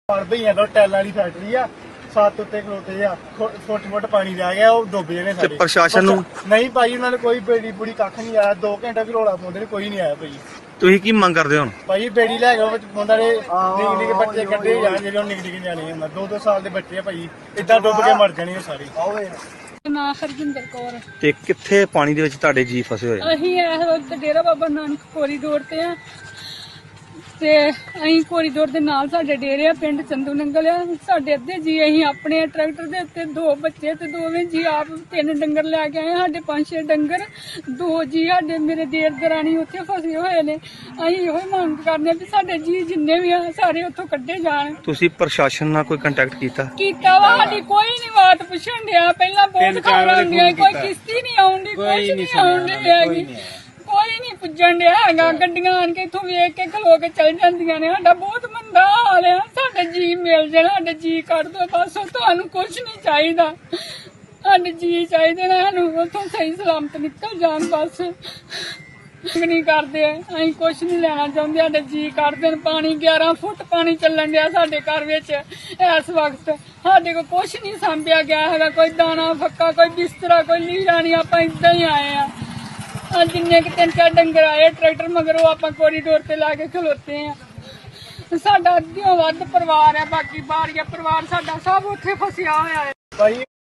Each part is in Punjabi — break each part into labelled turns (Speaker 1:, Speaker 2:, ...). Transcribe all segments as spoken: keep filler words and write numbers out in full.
Speaker 1: ਭਈਆਂ ਤੋਂ ਟੈਲਾਂ ਵਾਲੀ ਫੈਕਟਰੀ ਆ, ਸੱਤ ਉੱਤੇ ਖਲੋਤੇ ਆ, ਫੁੱਟ ਫੁੱਟ ਪਾਣੀ ਰਹਿ ਗਿਆ, ਉਹ ਡੁੱਬ ਜਾਣੇ
Speaker 2: ਤੇ
Speaker 1: ਸਾਡੇ।
Speaker 2: ਪ੍ਰਸ਼ਾਸਨ ਨੂੰ
Speaker 1: ਨਹੀਂ ਭਾਈ, ਉਹਨਾਂ ਨੇ ਕੋਈ ਬੇੜੀ ਬੁੜੀ ਕੱਖ ਨਹੀਂ ਆਇਆ। ਦੋ ਘੰਟੇ ਵੀ ਰੌਲਾ ਪਾਉਂਦੇ ਨੇ, ਕੋਈ ਨਹੀਂ ਆਇਆ ਭਾਈ।
Speaker 2: ਤੁਸੀਂ ਕੀ ਮੰਗ ਕਰਦੇ ਹੋ ਹੁਣ?
Speaker 1: ਭਾਈ ਬੇੜੀ ਲੈ ਕੇ ਉਹਨਾਂ ਦੇ ਨਿੱਕੇ ਨਿੱਕੇ ਬੱਚੇ ਕੱਢੇ ਜਾਣ, ਜਿਹੜੇ ਉਹ ਨਿੱਕੇ ਨਿੱਕੇ ਨਿਆਣੇ ਆ, ਦੋ ਦੋ ਸਾਲ ਦੇ ਬੱਚੇ ਆ ਭਾਈ, ਏਦਾਂ ਡੁੱਬ ਕੇ ਮਰ ਜਾਣੇ ਸਾਰੇ।
Speaker 3: ਨਾ ਹਰਜਿੰਦਰ ਕੌਰ।
Speaker 2: ਤੇ ਕਿੱਥੇ ਪਾਣੀ ਦੇ ਵਿੱਚ ਤੁਹਾਡੇ ਜੀ ਫਸੇ ਹੋਏ?
Speaker 3: ਅਸੀਂ ਇਸ ਵਕਤ ਡੇਰਾ ਬਾਬਾ ਨਾਨਕ ਕੋਰੀਡੋਰ ਤੇ ਆ ਤੇ ਅਸੀਂ ਕੋਰੀਡੋਰ ਦੇ ਨਾਲ ਸਾਡੇ ਡੇਰੇ ਆ, ਪਿੰਡ ਚੰਦੂ ਨੰਗਲ ਆ। ਸਾਡੇ ਅੱਧੇ ਜੀ ਅਸੀਂ ਆਪਣੇ ਟਰੈਕਟਰ ਦੇ ਉੱਤੇ, ਦੋ ਬੱਚੇ ਤੇ ਦੋਵੇਂ ਜੀ ਆਪ ਤਿੰਨ ਡੰਗਰ ਲੈ ਕੇ ਆਏ। ਸਾਡੇ ਪੰਜ ਛੇ ਡੰਗਰ, ਦੋ ਜੀ ਸਾਡੇ ਮੇਰੇ ਦੇਰ ਦਰਾਣੀ ਉੱਥੇ ਫਸੇ ਹੋਏ ਨੇ। ਅਸੀਂ ਇਹੋ ਹੀ ਮੰਗ ਕਰਦੇ ਆ ਵੀ ਸਾਡੇ ਜੀ ਜਿੰਨੇ ਵੀ ਆ ਸਾਰੇ ਉੱਥੋਂ ਕੱਢੇ ਜਾਣ।
Speaker 2: ਤੁਸੀਂ ਪ੍ਰਸ਼ਾਸਨ ਨਾਲ ਕੋਈ ਕੰਟੈਕਟ ਕੀਤਾ?
Speaker 3: ਕੀਤਾ ਵਾ, ਸਾਡੀ ਕੋਈ ਨਹੀਂ ਬਾਤ ਪੁੱਛਣ ਡਿਆ। ਪਹਿਲਾਂ ਬਹੁਤ ਖਬਰਾਂ ਹੁੰਦੀਆਂ, ਕੋਈ ਕਿਸ਼ਤੀ ਨਹੀਂ ਆਉਂਦੀ, ਕੁਛ ਨਹੀਂ ਆਉਂਦੀ ਹੈਗੀ, ਕੋਈ ਨਹੀਂ ਪੁੱਜਣ ਡਿਆ ਹੈਗਾ। ਗੱਡੀਆਂ ਆਣ ਕੇ ਇੱਥੋਂ ਵੇਖ ਕੇ ਖਲੋ ਕੇ ਚਲ ਜਾਂਦੀਆਂ ਨੇ। ਸਾਡਾ ਬਹੁਤ ਮੰਦਾ ਹਾਲ ਆ। ਸਾਡੇ ਜੀ ਮਿਲ ਜਾਣ, ਸਾਡੇ ਜੀ ਕੱਢ ਦੋ ਬਸ, ਤੁਹਾਨੂੰ ਕੁਛ ਨਹੀਂ ਚਾਹੀਦਾ। ਸਾਡੇ ਜੀ ਚਾਹੀਦੇ ਨੇ, ਸਾਨੂੰ ਉੱਥੋਂ ਸਹੀ ਸਲਾਮਤ ਨਿਕਲ ਜਾਣ ਬਸ। ਨਹੀਂ ਕਰਦੇ, ਅਸੀਂ ਕੁਛ ਨਹੀਂ ਲੈਣਾ ਚਾਹੁੰਦੇ, ਸਾਡੇ ਜੀ ਕੱਢ ਦੇਣ। ਪਾਣੀ ਗਿਆਰਾਂ ਫੁੱਟ ਪਾਣੀ ਚੱਲਣ ਡਿਆ ਸਾਡੇ ਘਰ ਵਿੱਚ ਇਸ ਵਕਤ। ਸਾਡੇ ਕੋਲ ਕੁਛ ਨਹੀਂ ਸਾਂਭਿਆ ਗਿਆ ਹੈਗਾ, ਕੋਈ ਦਾਣਾ ਫੱਕਾ, ਕੋਈ ਬਿਸਤਰਾ, ਕੋਈ ਲੀੜਾ ਨਹੀਂ। ਆਪਾਂ ਏਦਾਂ ਹੀ ਆਏ ਆ। ਜਿੰਨੇ ਕਿ ਤਿੰਨ ਚਾਰ ਡੰਗਰ ਆਏ ਟਰੈਕਟਰ ਮਗਰੋਂ, ਆਪਾਂ ਕੋਰੀਡੋਰ ਤੇ ਲਾ ਕੇ ਖਲੋਤੇ ਆ। ਸਾਡਾ ਅੱਧਿਓਂ ਵੱਧ ਪਰਿਵਾਰ ਹੈ, ਬਾਕੀ ਬਾਹਰੀਆ ਪਰਿਵਾਰ ਸਾਡਾ ਸਭ ਉੱਥੇ ਫਸਿਆ ਹੋਇਆ ਹੈ
Speaker 1: ਭਾਈ।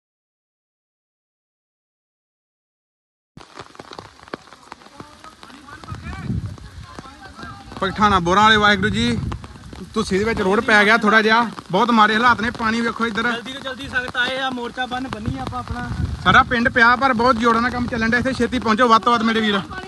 Speaker 4: ਪਠਾਣਾ ਬੋਰਾਂ ਵਾਲੇ ਵਾਹਿਗੁਰੂ ਜੀ, ਤੁਸੀਂ ਦੇ ਵਿੱਚ ਰੋਡ ਪੈ ਗਿਆ ਥੋੜਾ ਜਿਹਾ, ਬਹੁਤ ਮਾੜੇ ਹਾਲਾਤ ਨੇ। ਪਾਣੀ ਵੇਖੋ ਇੱਧਰ,
Speaker 1: ਜਲਦੀ ਤੋਂ ਜਲਦੀ ਸਖਤ ਆਏ ਆ, ਮੋਰਚਾ ਬੰਨ ਬੰਨੀ ਆਪਾਂ ਆਪਣਾ।
Speaker 4: ਸਾਰਾ ਪਿੰਡ ਪਿਆ, ਪਰ ਬਹੁਤ ਜੋੜਾਂ ਨਾਲ ਕੰਮ ਚੱਲਣ ਡਿਆ। ਇੱਥੇ ਛੇਤੀ ਪਹੁੰਚੋ ਵੱਧ ਤੋਂ ਵੱਧ ਮੇਰੇ ਵੀਰ।